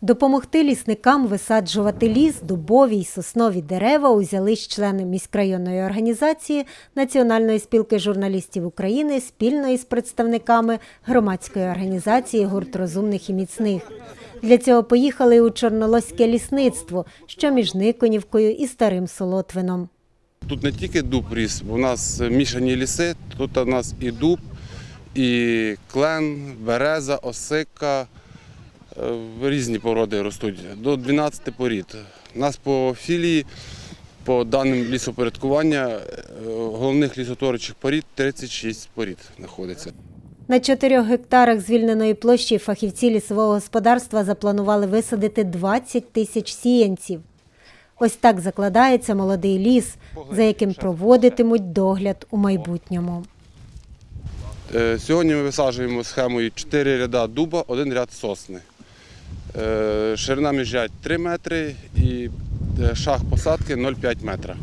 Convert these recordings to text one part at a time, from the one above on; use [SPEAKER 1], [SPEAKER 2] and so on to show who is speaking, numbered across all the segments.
[SPEAKER 1] Допомогти лісникам висаджувати ліс, дубові й соснові дерева узялись члени міськрайонної організації Національної спілки журналістів України спільно із представниками громадської організації «Гурт розумних і міцних». Для цього поїхали у Чорнолоське лісництво, що між Никонівкою і Старим Солотвином.
[SPEAKER 2] Тут не тільки дуб ріс, у нас мішані ліси, тут у нас і дуб, і клен, береза, осика. Різні породи ростуть, до 12 порід. У нас по філії, по даним лісопорядкування, головних лісотворчих порід 36 порід знаходиться.
[SPEAKER 1] На 4 гектарах звільненої площі фахівці лісового господарства запланували висадити 20 тисяч сіянців. Ось так закладається молодий ліс, за яким проводитимуть догляд у майбутньому.
[SPEAKER 2] Сьогодні ми висаджуємо схемою 4 ряда дуба, 1 ряд сосни. Ширина міжрядь 3 метри і шаг посадки 0,5 метра.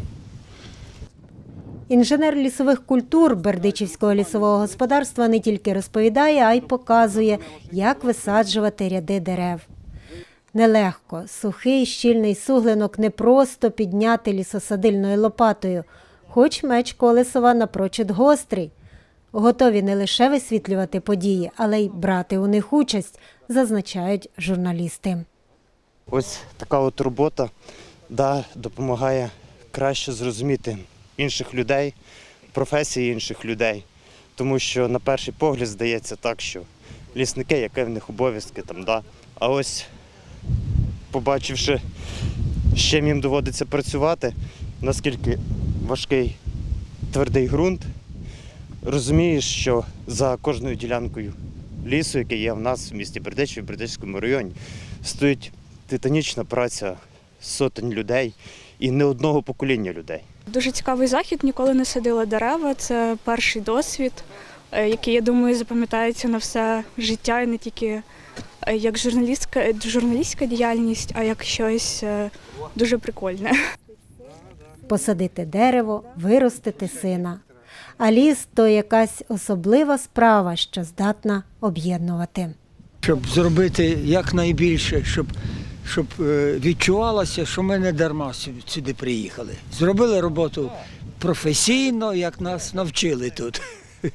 [SPEAKER 1] Інженер лісових культур Бердичівського лісового господарства не тільки розповідає, а й показує, як висаджувати ряди дерев. Нелегко, сухий, щільний суглинок не просто підняти лісосадильною лопатою, хоч меч Колесова напрочуд гострий. Готові не лише висвітлювати події, але й брати у них участь, зазначають журналісти.
[SPEAKER 3] Ось така от робота допомагає краще зрозуміти інших людей, професії інших людей. Тому що на перший погляд здається так, що лісники, які в них обов'язки там, а ось побачивши, з чим їм доводиться працювати, наскільки важкий твердий ґрунт, розумієш, що за кожною ділянкою лісу, який є в нас в місті Бердичів, в Бердичівському районі, стоїть титанічна праця сотень людей і не одного покоління людей.
[SPEAKER 4] Дуже цікавий захід, ніколи не садила дерева, це перший досвід, який, я думаю, запам'ятається на все життя і не тільки як журналістська діяльність, а як щось дуже прикольне.
[SPEAKER 1] Посадити дерево, виростити сина. А ліс – то якась особлива справа, що здатна об'єднувати.
[SPEAKER 5] Щоб зробити якнайбільше, щоб відчувалося, що ми не дарма сюди приїхали. Зробили роботу професійно, як нас навчили тут.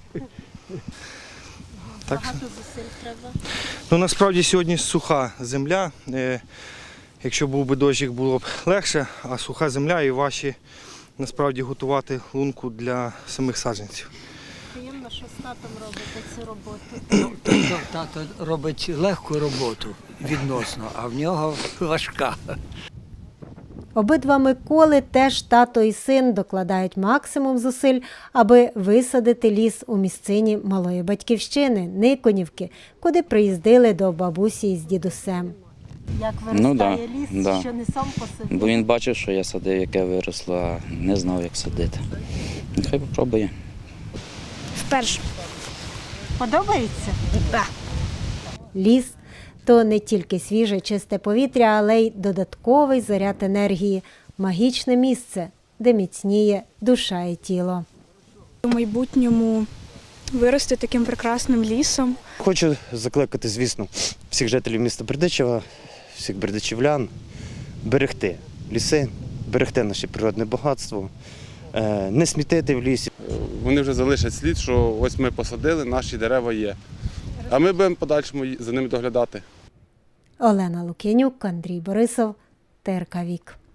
[SPEAKER 6] Багато зусиль треба? Насправді сьогодні суха земля. Якщо був би дощик, було б легше, а суха земля і важче насправді готувати лунку для самих саджанців.
[SPEAKER 1] Приємно, що з татом робите цю роботу.
[SPEAKER 5] Тато робить легку роботу відносно, а в нього важка.
[SPEAKER 1] Обидва Миколи, теж тато і син, докладають максимум зусиль, аби висадити ліс у місцині малої батьківщини – Никонівки, куди приїздили до бабусі з дідусем. Як виростає ліс, що не сам посадив?
[SPEAKER 7] Бо він бачив, що я садив, яке виросло, а не знав, як садити. Нехай попробує.
[SPEAKER 4] Вперше.
[SPEAKER 1] Подобається? Так. Ліс – то не тільки свіже, чисте повітря, але й додатковий заряд енергії, магічне місце, де міцніє душа і тіло.
[SPEAKER 4] У майбутньому вирости таким прекрасним лісом.
[SPEAKER 3] Хочу закликати, звісно, всіх жителів міста Бердичева, всіх бердичівлян берегти ліси, берегти наше природне багатство, не смітити в лісі.
[SPEAKER 2] Вони вже залишать слід, що ось ми посадили, наші дерева є. А ми будемо подальшому за ними доглядати.
[SPEAKER 1] Олена Лук'янюк, Андрій Борисов, ТРК Вік.